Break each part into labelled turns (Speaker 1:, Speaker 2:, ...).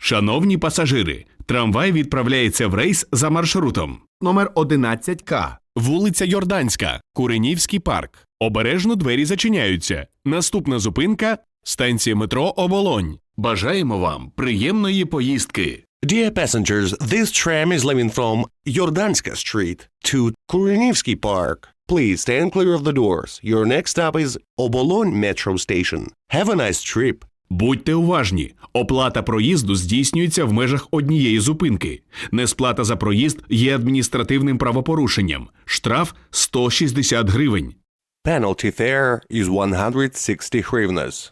Speaker 1: Шановні пасажири, трамвай відправляється в рейс за маршрутом.
Speaker 2: Номер 11К.
Speaker 1: Вулиця Йорданська, Куренівський парк. Обережно двері зачиняються. Наступна зупинка – станція метро Оболонь. Бажаємо вам приємної поїздки.
Speaker 3: Dear passengers, this tram is leaving from Jordanska Street to Kurenivsky Park. Please stand clear of the doors. Your next stop is Obolon Metro Station. Have a nice trip.
Speaker 1: Будьте уважні. Оплата проїзду здійснюється в межах однієї зупинки. Несплата за проїзд є адміністративним правопорушенням. Штраф – 160 гривень.
Speaker 3: Penalty fare is 160 hryvnias.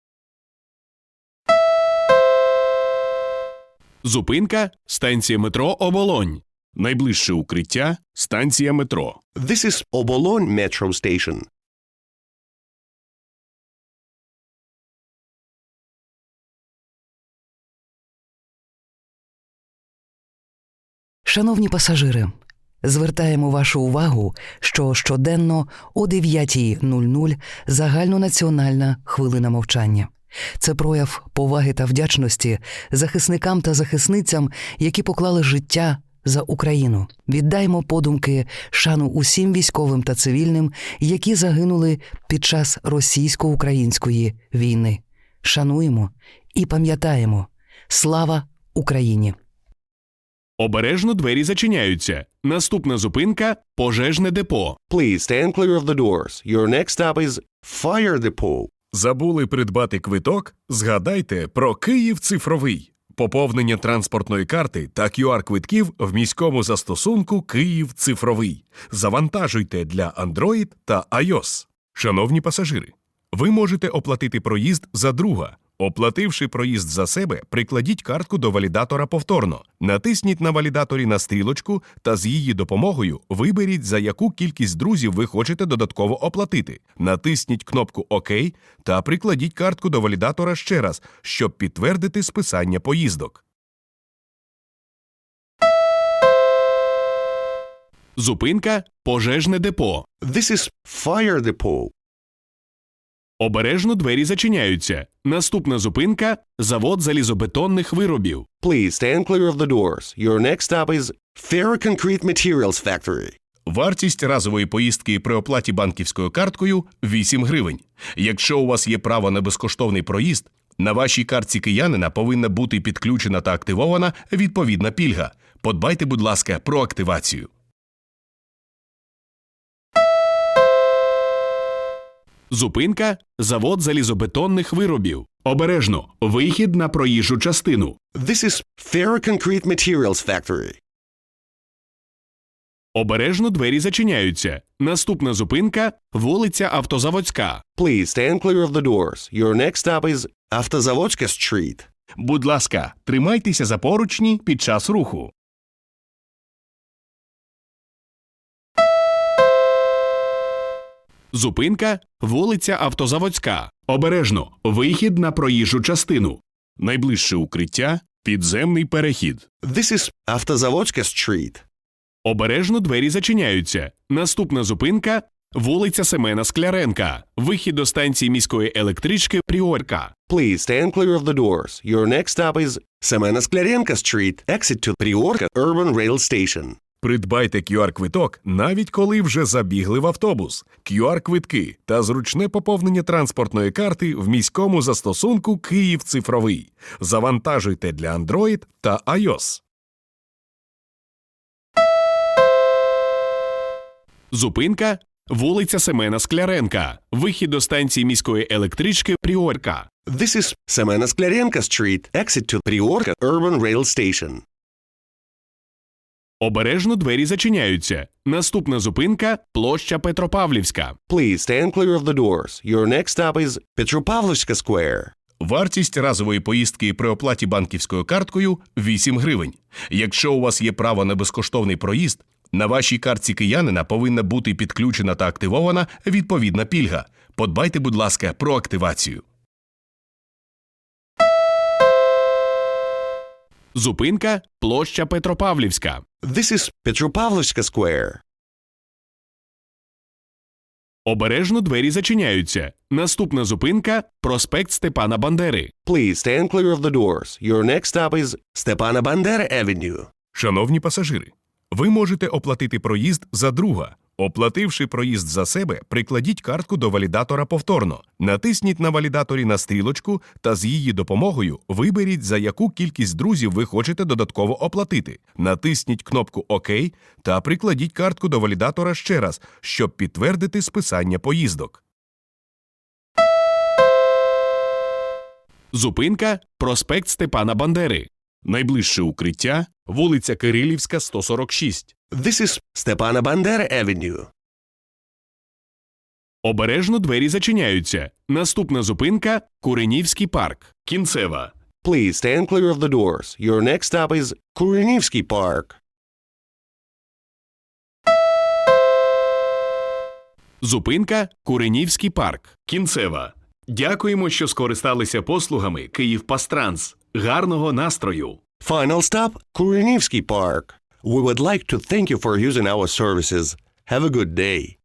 Speaker 1: Зупинка – станція метро Оболонь. Найближче укриття – станція метро.
Speaker 3: This is Obolon Metro Station.
Speaker 4: Шановні пасажири, звертаємо вашу увагу, що щоденно о 9:00 загальнонаціональна хвилина мовчання. Це прояв поваги та вдячності захисникам та захисницям, які поклали життя за Україну. Віддаймо подумки шану усім військовим та цивільним, які загинули під час російсько-української війни. Шануємо і пам'ятаємо. Слава Україні!
Speaker 1: Обережно двері зачиняються. Наступна зупинка – пожежне депо.
Speaker 3: Please stand clear of the doors. Your next stop is Fire Depot.
Speaker 1: Забули придбати квиток? Згадайте про Київ цифровий. Поповнення транспортної карти та QR-квитків в міському застосунку «Київ цифровий». Завантажуйте для Android та iOS. Шановні пасажири, ви можете оплатити проїзд за друга. Оплативши проїзд за себе, прикладіть картку до валідатора повторно. Натисніть на валідаторі на стрілочку та з її допомогою виберіть, за яку кількість друзів ви хочете додатково оплатити. Натисніть кнопку «Ок» та прикладіть картку до валідатора ще раз, щоб підтвердити списання поїздок. Зупинка – пожежне депо.
Speaker 3: This is Fire Depot.
Speaker 1: Обережно двері зачиняються. Наступна зупинка – завод залізобетонних виробів.
Speaker 3: Please stand clear of the doors. Your next stop is Ferroconcrete Materials Factory.
Speaker 1: Вартість разової поїздки при оплаті банківською карткою – 8 гривень. Якщо у вас є право на безкоштовний проїзд, на вашій картці киянина повинна бути підключена та активована відповідна пільга. Подбайте, будь ласка, про активацію. Зупинка – завод залізобетонних виробів. Обережно. Вихід на проїжджу частину.
Speaker 3: This is Ferroconcrete Materials Factory.
Speaker 1: Обережно двері зачиняються. Наступна зупинка – вулиця Автозаводська.
Speaker 3: Please stand clear of the doors. Your next stop is Автозаводська Street.
Speaker 1: Будь ласка, тримайтеся за поручні під час руху. Зупинка – вулиця Автозаводська. Обережно. Вихід на проїжджу частину. Найближче укриття – підземний перехід.
Speaker 3: This is Автозаводська Street.
Speaker 1: Обережно двері зачиняються. Наступна зупинка – вулиця Семена Скляренка. Вихід до станції міської електрички Пріорка.
Speaker 3: Please stand clear of the doors. Your next stop is Семена Скляренка Street. Exit to Priorka Urban Rail Station.
Speaker 1: Придбайте QR-квиток, навіть коли вже забігли в автобус. QR-квитки та зручне поповнення транспортної карти в міському застосунку «Київ цифровий». Завантажуйте для Android та iOS. Зупинка – вулиця Семена Скляренка. Вихід до станції міської електрички Пріорка.
Speaker 3: This is Семена Скляренка Street. Exit to Priorka Urban Rail Station.
Speaker 1: Обережно двері зачиняються. Наступна зупинка – площа Петропавлівська.
Speaker 3: Please stand clear of the doors. Your next stop is Petropavlovska Square.
Speaker 1: Вартість разової поїздки при оплаті банківською карткою – 8 гривень. Якщо у вас є право на безкоштовний проїзд, на вашій картці киянина повинна бути підключена та активована відповідна пільга. Подбайте, будь ласка, про активацію. Зупинка – площа Петропавлівська.
Speaker 3: This is Petropavlovska Square.
Speaker 1: Обережно двері зачиняються. Наступна зупинка – проспект Степана Бандери.
Speaker 3: Please stand clear of the doors. Your next stop is Stepan Bandera Avenue.
Speaker 1: Шановні пасажири, ви можете оплатити проїзд за друга. Оплативши проїзд за себе, прикладіть картку до валідатора повторно. Натисніть на валідаторі на стрілочку та з її допомогою виберіть, за яку кількість друзів ви хочете додатково оплатити. Натисніть кнопку «Ок» та прикладіть картку до валідатора ще раз, щоб підтвердити списання поїздок. Зупинка – проспект Степана Бандери. Найближче укриття – вулиця Кирилівська, 146.
Speaker 3: This is Stepan Bandera Avenue.
Speaker 1: Обережно двері зачиняються. Наступна зупинка – Куренівський парк. Кінцева.
Speaker 3: Please stand clear of the doors. Your next stop is Kurenivsky Park.
Speaker 1: Зупинка – Куренівський парк. Кінцева. Дякуємо, що скористалися послугами «Київпастранс». Гарного настрою!
Speaker 3: Final stop, Kurenivsky Park. We would like to thank you for using our services. Have a good day.